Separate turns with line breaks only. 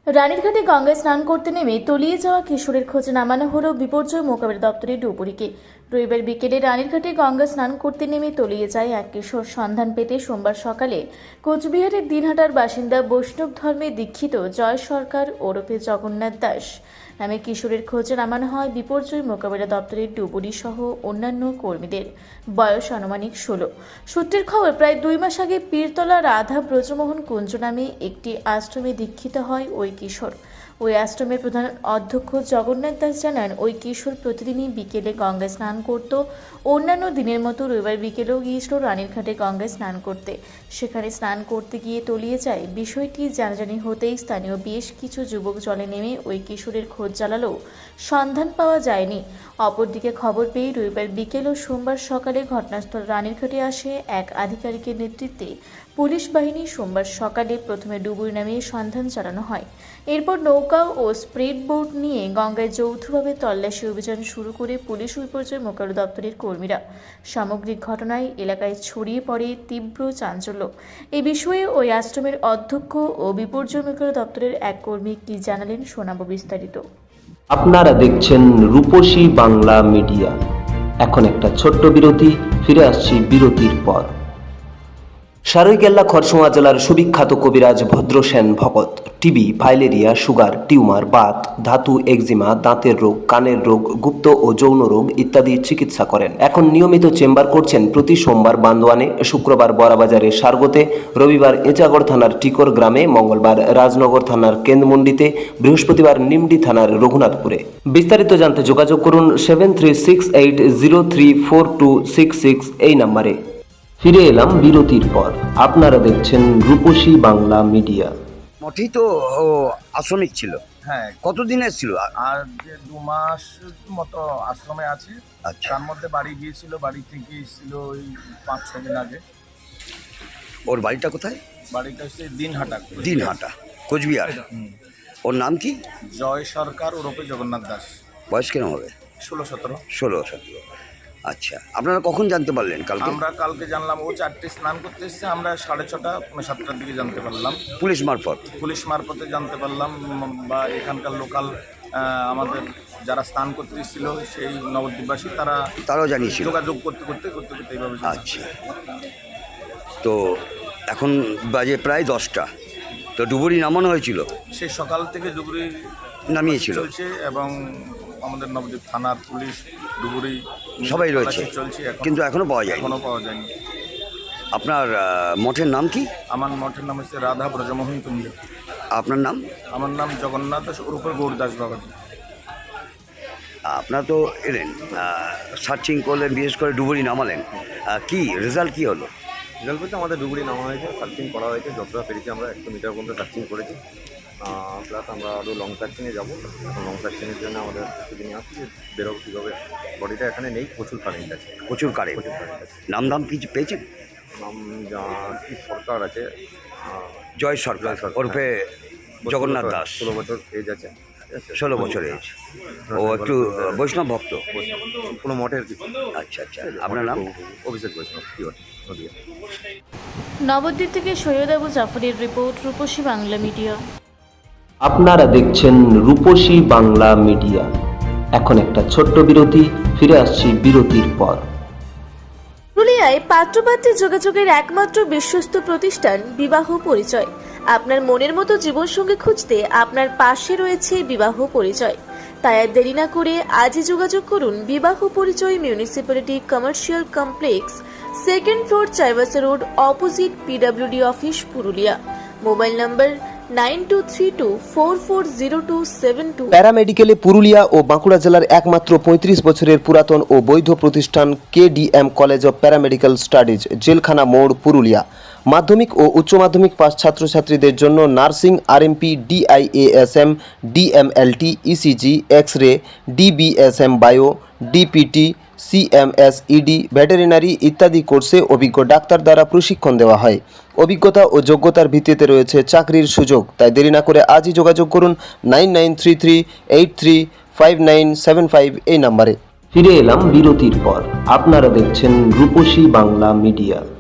রানীরঘাটে গঙ্গায় স্নান করতে নেমে তলিয়ে যাওয়া কিশোরের খোঁজে নামানো হলো বিপর্যয় মোকাবিলা দপ্তরের ডুবুরিকে। রবিবার বিকেলে রানীরঘাটে গঙ্গা স্নান করতে নেমে তলিয়ে যায় এক কিশোর। সন্ধান পেতে সোমবার সকালে কোচবিহারের দিনহাটার বাসিন্দা বৈষ্ণব ধর্মে দীক্ষিত জয় সরকার ওরফে জগন্নাথ দাস নামে কিশোরের খোঁজে নামানো হয় বিপর্যয় মোকাবিলা দপ্তরের ডুবুরি সহ অন্যান্য কর্মীদের। বয়স আনুমানিক 16। সূত্রের খবর, প্রায় 2 মাস আগে পীরতলা রাধা ব্রজমোহন কুঞ্জ নামে একটি আশ্রমে দীক্ষিত হয় ওই কিশোর। ওই আশ্রমের প্রধান অধ্যক্ষ জগন্নাথ দাস জানান, ওই কিশোর প্রতিদিনই বিকেলে গঙ্গায় স্নান করত। অন্যান্য দিনের মতো রবিবার বিকেলেও গিয়েছিল রানীরঘাটে গঙ্গায় স্নান করতে। সেখানে স্নান করতে গিয়ে তলিয়ে যায়। বিষয়টি জানাজানি হতেই স্থানীয় বেশ কিছু যুবক জলে নেমে ওই কিশোরের খোঁজ চালালেও সন্ধান পাওয়া যায়নি। অপরদিকে খবর পেয়ে রবিবার বিকেল ও সোমবার সকালে ঘটনাস্থল রানীরঘাটে আসে এক আধিকারিকের নেতৃত্বে পুলিশ বাহিনী। সোমবার সকালে প্রথমে ডুবুরি নামিয়ে সন্ধান চালানো হয়। এরপর নৌকা ও স্পিড বোট নিয়ে গঙ্গায় যৌথভাবে তল্লাশি অভিযান শুরু করে পুলিশ ও বিপর্যয় মোকাবিলা দপ্তরের কর্মীরা। সামগ্রিক ঘটনায় এলাকায় ছড়িয়ে পড়ে তীব্র চাঞ্চল্য। এ বিষয়ে ওই আশ্রমের অধ্যক্ষ ও বিপর্যয় মোকাবিলা দপ্তরের এক কর্মী কি জানালেন, শোনাবো বিস্তারিত।
আপনারা দেখছেন রূপসী বাংলা মিডিয়া। এখন একটা ছোট্ট বিরতি, ফিরে আসছি বিরতির পর। সারৈকেল্লা খরসুমা জেলার সুবিখ্যাত কবিরাজ Bhadrasen Bhagat TB, filaria, sugar, tumour, বাত, ধাতু, একজিমা, দাঁতের রোগ, কানের রোগ, গুপ্ত ও যৌন রোগ ইত্যাদি চিকিৎসা করেন। এখন নিয়মিত চেম্বার করছেন প্রতি সোমবার বান্দোয়ানে, শুক্রবার বড়াবাজারে সারগোতে, রবিবার এঁচাগড় থানার টিকর গ্রামে, মঙ্গলবার রাজনগর থানার কেন্দ্রমন্ডিতে, বৃহস্পতিবার নিমডি থানার রঘুনাথপুরে। বিস্তারিত জানতে যোগাযোগ করুন 7368034266 এই নম্বরে। ফিরে এলাম বিরতির পর। আপনারা দেখছেন রূপসী বাংলা মিডিয়া।
মঠেই তো আশ্রমিক ছিল।
হ্যাঁ,
কতদিন এসেছিল?
আর যে 2 মাস মতো আশ্রমে আছে।
আচ্ছা,
তার মধ্যে বাড়ি গিয়েছিল, বাড়ি থেকে এসেছিল ওই 5-6 দিন আগে।
ওর বাড়িটা কোথায়?
বাড়িটা হচ্ছে দিনহাটা।
দিনহাটা, কোচবিহার। ওর নাম কি?
জয় সরকার ওরফে জগন্নাথ দাস।
বয়স কেন হবে?
16-17।
16-17। আচ্ছা, আপনারা কখন জানতে পারলেন? কালকে
আমরা কালকে জানলাম। ও 4টে স্নান করতে এসেছে, আমরা 6:30-7টার দিকে জানতে পারলাম।
পুলিশ মারফত?
পুলিশ মারফতে জানতে পারলাম, বা এখানকার লোকাল আমাদের যারা স্নান করতে এসেছিল সেই নবদ্বীপবাসী
তারাও জানিয়েছিল।
যোগাযোগ করতে করতে এইভাবে।
আচ্ছা, তো এখন বাজে প্রায় 10টা। তো ডুবুরি নামানো হয়েছিল?
সে সকাল থেকে ডুবুরি
নামিয়েছিল
চলছে এবং আমাদের নবদ্বীপ থানার পুলিশ ডুবুরি
সবাই রয়েছে
চলছে,
কিন্তু এখনো পাওয়া যায়নি।
যায়নি।
আপনার মঠের নাম কি?
আমার মঠের নাম হচ্ছে রাধা ব্রজমোহন কুঞ্জ।
আপনার নাম?
আমার নাম জগন্নাথ দাস ওরফে গৌরদাস বাবাজি।
আপনারা তো এলেন, সার্চিং করলেন, বিশেষ করে ডুবুরি নামালেন, কি রেজাল্ট কি হলো?
রেজাল্ট বলতে আমাদের ডুবুরি নামা হয়েছে, সার্চিং করা হয়েছে, যতটা পেরেছি আমরা 100 মিটার পর্যন্ত সার্চিং করেছি। প্লাস আমরা আরও লং সার্চিংয়ে যাবো। এখন লং সার্চিংয়ের জন্য আমাদের কিছুদিন আসছি যে বেরোবো কীভাবে। বডিটা এখানে নেই, প্রচুর কারেন্ট আছে।
প্রচুর কারেন্ট আছে। নাম কিছু পেয়েছেন?
নাম কি সরকার আছে,
জয় সরকার ওরফে জগন্নাথ দাস।
16 বছর এজ আছে।
16 বছর এজ। ও একটু বৈষ্ণব ভক্ত?
কোনো মঠের কিছু।
আচ্ছা আচ্ছা, আপনার নাম?
অভিষেক বৈষ্ণব, পিওর নদিয়া।
নবদ্বীপ থেকে সৈয়দ আবু জাফরের রিপোর্ট, রূপসী বাংলা মিডিয়া।
আপনারা দেখছেন রূপসী বাংলা মিডিয়া। এখন একটা ছোট্ট বিরতি, ফিরে আসছি বিরতির পর।
পুরুলিয়ায় পাত্রপাত্রী যোগাযোগের একমাত্র বিশ্বস্ত প্রতিষ্ঠান বিবাহ পরিচয়। আপনার মনের মতো জীবনসঙ্গী খুঁজতে আপনার পাশে রয়েছে বিবাহ পরিচয়। তাই আর দেরি না করে আজই যোগাযোগ করুন বিবাহ পরিচয়, municipality commercial complex, 2nd floor, Chaibasa road, opposite PWD office, Purulia. Mobile number 9232440272।
প্যারামেডিকেলে পুরুলিয়া ও বাঁকুড়া জেলার একমাত্র 35 বছরের পুরাতন ও বৈধ প্রতিষ্ঠান KDM college of paramedical studies, জেলখানা মোড়, পুরুলিয়া। মাধ্যমিক ও উচ্চ মাধ্যমিক পাস ছাত্রছাত্রীদের জন্য nursing, RMP, DIASM, DMLT, ECG, X-ray, DBSM bio, DPT, CMS, ED, veterinary ইত্যাদি কোর্সে অভিজ্ঞ ডাক্তার দ্বারা প্রশিক্ষণ দেওয়া হয়। অভিজ্ঞতা ও যোগ্যতার ভিত্তিতে রয়েছে চাকরির সুযোগ। তাই দেরি না করে আজই যোগাযোগ করুন 9933835975 এই নম্বরে। ফিরে এলাম বিরতির পর। আপনারা দেখছেন রূপসী বাংলা মিডিয়া।